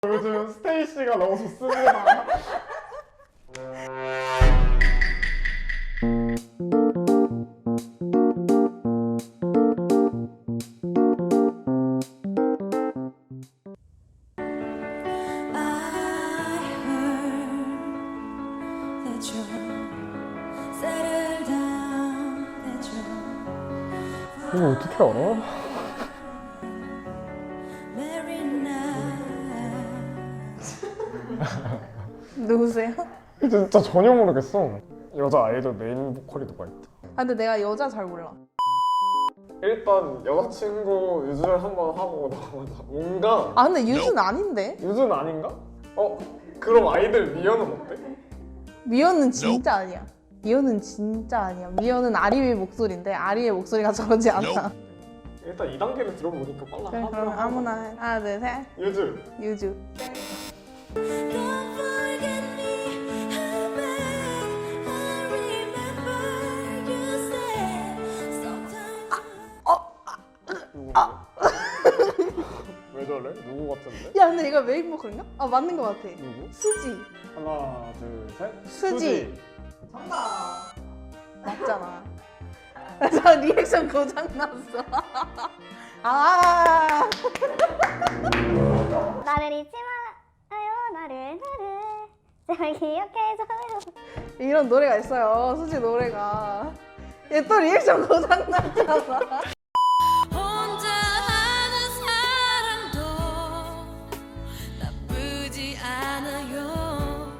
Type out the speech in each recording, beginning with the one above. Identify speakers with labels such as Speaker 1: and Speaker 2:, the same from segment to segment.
Speaker 1: 요즘 스테이시가 너무 좋습니다. 이거 어떻게 알아?
Speaker 2: 누구세요?
Speaker 1: 진짜 전혀 모르겠어. 여자 아이돌 메인 보컬이 누가 있다.
Speaker 2: 아 근데 내가 여자 잘 몰라.
Speaker 1: 일단 여자친구 유주를 한번 하고 나오자 뭔가
Speaker 2: 아 근데 유주는 아닌데?
Speaker 1: 유주는 아닌가? 그럼 아이들 미연은 어때?
Speaker 2: 미연은 진짜 아니야. 미연은 진짜 아니야. 미연은 아리의 목소리인데 아리의 목소리가 저러지 않아.
Speaker 1: 일단 2단계를 들어보니까 빨라.
Speaker 2: 그래, 그럼 아무나 해. 하나 둘 셋.
Speaker 1: 유주.
Speaker 2: 유주.
Speaker 1: 왜 저래? 누구 같은데?
Speaker 2: 야 근데 이거 메인 보컬인가? 아 맞는 것 같아.
Speaker 1: 누구?
Speaker 2: 수지.
Speaker 1: 하나 둘 셋.
Speaker 2: 수지. 정답. 맞잖아. 저 리액션 고장 났어. 아.
Speaker 3: 나를 잊지 말아요 나를 제발 기억해줘요.
Speaker 2: 이런 노래가 있어요. 수지 노래가. 얘 또 리액션 고장 났잖아.
Speaker 4: 혼자 하는 사랑도 나쁘지 않아요.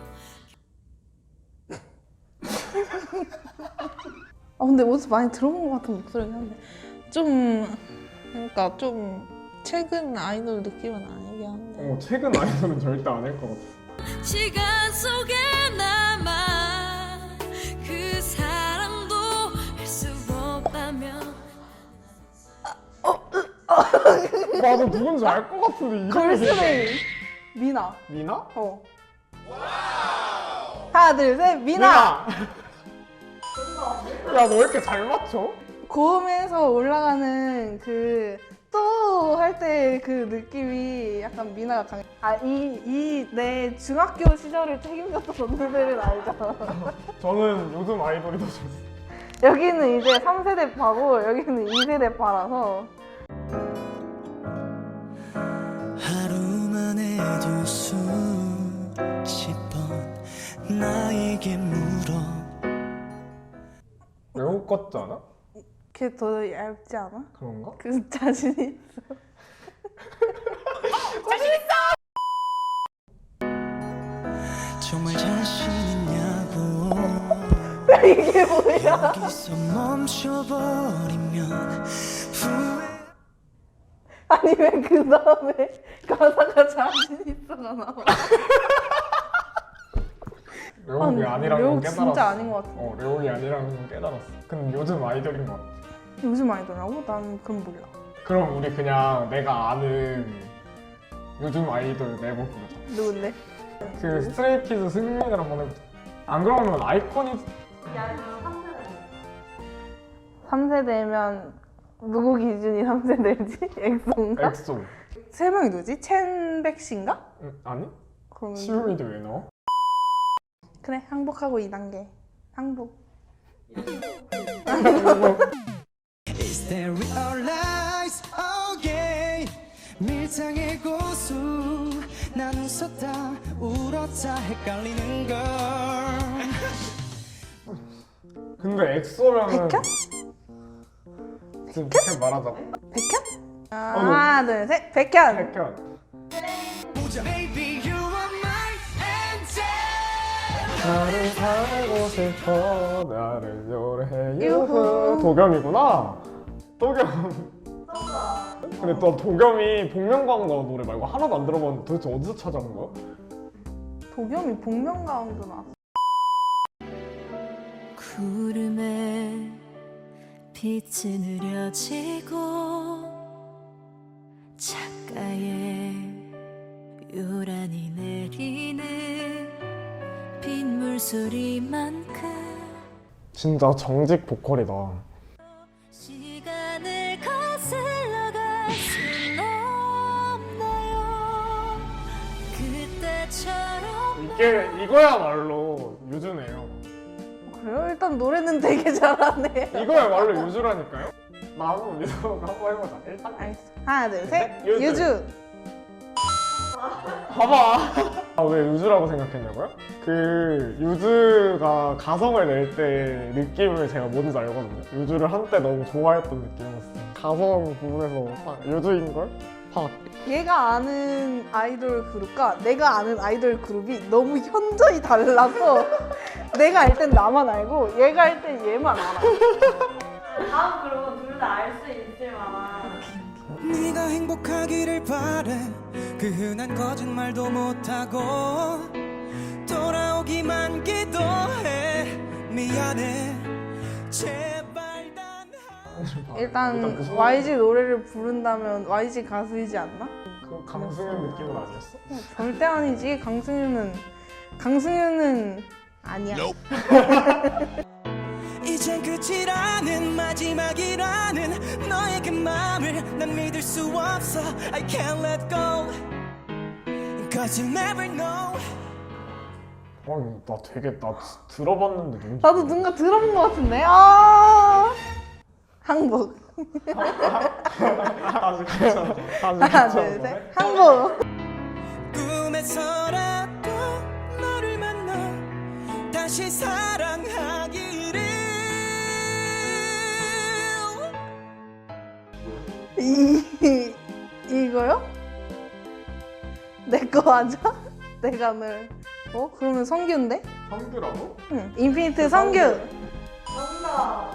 Speaker 2: 아 근데 어디서 많이 들어본 것 같은 목소리긴 한데 좀 그러니까 좀 최근 아이돌 느낌은 아니긴 한데.
Speaker 1: 최근 아이돌은 절대 아닐 것 같아.
Speaker 4: 시간 속에 남아 그 사랑도 할 수 없다면
Speaker 1: 나도 누군지 알 것 같은데 이름이.
Speaker 2: 걸스데이 미나.
Speaker 1: 미나?
Speaker 2: 하나 둘 셋 미나.
Speaker 1: 야, 너 왜 이렇게 잘 맞춰?
Speaker 2: 고음에서 올라가는 그 또 할 때 그 느낌이 약간 미나가 강해. 이 내 중학교 시절을 책임졌던 선배들은 알잖아.
Speaker 1: 저는 요즘 아이돌이 더 좋았어.
Speaker 2: 여기는 이제 3세대 파고 여기는 2세대 파라서.
Speaker 5: 하루만 해도 수십 번 나에게 물어.
Speaker 1: 외국 같지 않아?
Speaker 2: 걔 더 얇지 않아?
Speaker 1: 그런가?
Speaker 2: 그 자신이 있어.
Speaker 5: 정말 자신 있냐고.
Speaker 2: 이게 뭐야?
Speaker 5: 여기서 멈춰버리면 후회.
Speaker 2: 아니 왜 그 다음에 가사가 자신 있어가 나와?
Speaker 1: 레옥이
Speaker 2: 아,
Speaker 1: 아니라는 건
Speaker 2: 레옥
Speaker 1: 깨달았어.
Speaker 2: 진짜 아닌 것 같아.
Speaker 1: 레옥이 아니라는 건 깨달았어. 근데 요즘 아이돌인 것 같아.
Speaker 2: 요즘 아이돌이라고? 난 그건 몰라.
Speaker 1: 그럼 우리 그냥 내가 아는 요즘 아이돌 내고 부르자.
Speaker 2: 누군데?
Speaker 1: 그 스트레이키즈 승민이랑 한번 해보자. 안 그러면 아이콘이
Speaker 2: 3세대면 누구 기준이 3세대지? 엑소인가?
Speaker 1: 엑소.
Speaker 2: 세 명이 누구지? 첸백씨인가?
Speaker 1: 아니?
Speaker 2: 그러면
Speaker 1: 시우미도 왜 넣어?
Speaker 2: 그래 항복하고 2단계 항복.
Speaker 5: Is there realize okay 밀당의 고수 난 웃었다 울었다 헷갈리는 걸.
Speaker 1: 근데 엑소면은
Speaker 2: 백현?
Speaker 1: 지금 백현 말하자고?
Speaker 2: 백현? 하나 둘 셋 백현!
Speaker 1: 백현.
Speaker 5: Baby you are my angel.
Speaker 1: 나를 살고 싶어 나를 노래해
Speaker 2: 유후.
Speaker 1: 도겸이구나. 도겸. 근데 또 도겸이 복면가왕 나온 노래 말고 하나도 안 들어봤는데 도대체 어디서 찾아온 거야?
Speaker 2: 도겸이 복면가왕도 나왔어.
Speaker 4: 구름에 빛이 느려지고 창가에 요란히 내리는 빗물 소리만큼
Speaker 1: 진짜 정직 보컬이다.
Speaker 4: 시간을 거슬러 갈 순 없나요? 나처럼
Speaker 1: 이거야말로 유주네요.
Speaker 2: 그래요? 일단 노래는 되게 잘하네요.
Speaker 1: 이거야말로 유주라니까요? 나 한번 믿어보고 한번 해보자. 일단
Speaker 2: 알겠어. 하나, 둘, 셋.
Speaker 1: 유주.
Speaker 2: 유주.
Speaker 1: 봐봐. 아, 왜 유주라고 생각했냐고요? 그 유주가 가성을 낼 때 느낌을 제가 뭔지 알거든요. 유주를 한때 너무 좋아했던 느낌이었어요. 가성 부분에서 딱 유주인걸? 팍.
Speaker 2: 얘가 아는 아이돌 그룹과 내가 아는 아이돌 그룹이 너무 현저히 달라서 내가 알 땐 나만 알고 얘가 알 땐 얘만 알아.
Speaker 6: 다음 그룹은 둘 다 알 수 있을 만한
Speaker 5: 네가 행복하기를 바래 그 흔한 거짓말도 못하고 돌아오기만 기도해 미안해 제발 단
Speaker 2: 일단
Speaker 1: 그 소리-
Speaker 2: YG 노래를 부른다면 YG 가수이지 않나?
Speaker 1: 그 강승현 느낌은 아니었어?
Speaker 2: 절대 아니지. 강승윤은 아니야.
Speaker 5: 이젠 끝이라는 마지막이라는 너의 그 맘을 난 믿을 수 없어 I can't let go Cause you never know
Speaker 1: 아니 나 되게 나 들어봤는데 누군지
Speaker 2: 나도 누군가 들어본 것 같은데. 아 항복.
Speaker 1: 아직 괜찮아. 아직
Speaker 2: 하나, 둘,
Speaker 1: 괜찮아.
Speaker 2: 셋. 항복.
Speaker 5: 꿈에서라도 너를 만나 다시 사랑하기를
Speaker 2: 이거요? 내 거 맞아? 내가 늘 그러면 성규인데?
Speaker 1: 성규라고?
Speaker 2: 응. 인피니트 성규.
Speaker 6: 정답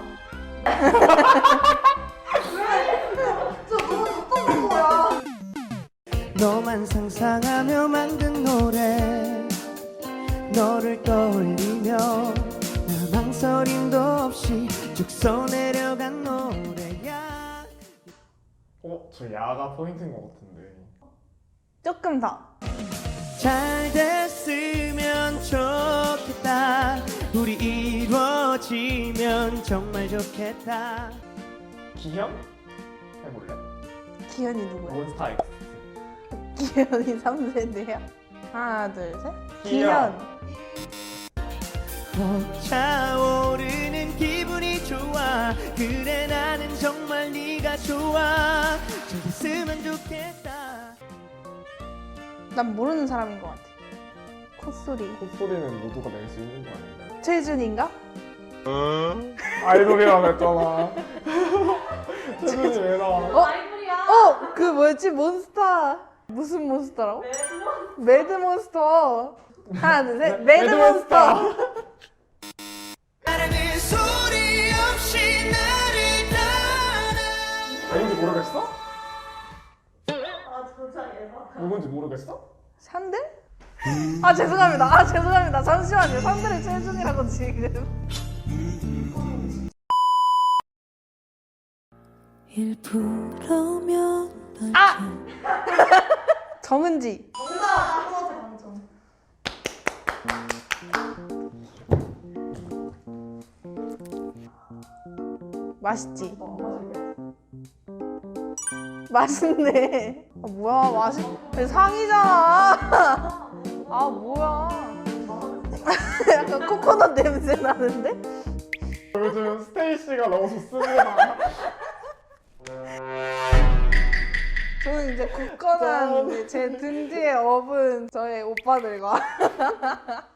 Speaker 5: 너만 상상하며 만든 노래 너를 떠올리며 나 망설임도 없이 쭉 써내려간 노래야
Speaker 1: 저 야가 포인트인 것 같은데.
Speaker 2: 조금 더.
Speaker 5: 잘 됐으면 좋겠다 우리 이루어지면 정말 좋겠다
Speaker 1: 기현? 해볼래?
Speaker 2: 기현이 누구야?
Speaker 1: 몬스타엑스.
Speaker 2: 기현이 3세대야? 하나, 둘, 셋.
Speaker 1: 기현.
Speaker 2: 기현.
Speaker 5: 차오르는 기분이 좋아 그래 나는 정말 네가 좋아 잘 됐으면 좋겠다
Speaker 2: 난 모르는 사람인 것 같아. 콧소리.
Speaker 1: 콧소리는 모두가 낼 수 있는 거 아닌가요?
Speaker 2: 최준인가?
Speaker 1: 아이돌이라고 했잖아. 최준이 왜 나와?
Speaker 6: 아이돌이야
Speaker 2: 그 뭐였지? 몬스터. 무슨 몬스터라고? 매드몬스터. 하나, 둘, 셋. 매드몬스터.
Speaker 5: 말하는 소리 없이 나를 따라
Speaker 1: 누군지 모르겠어?
Speaker 6: 아 진짜 예상
Speaker 1: 누군지 모르겠어?
Speaker 2: 산들? 죄송합니다. 잠시만요. 산들의 최준이라고 지금.
Speaker 4: 일부러면
Speaker 2: 정은지. 맛있지? 맛있네. 뭐야, 상이잖아. 뭐야. 약간 코코넛 냄새 나는데?
Speaker 1: 요즘 스테이시가 너무 좋습니다.
Speaker 2: 저는 이제 굳건한 제 등 뒤에 업은 저의 오빠들과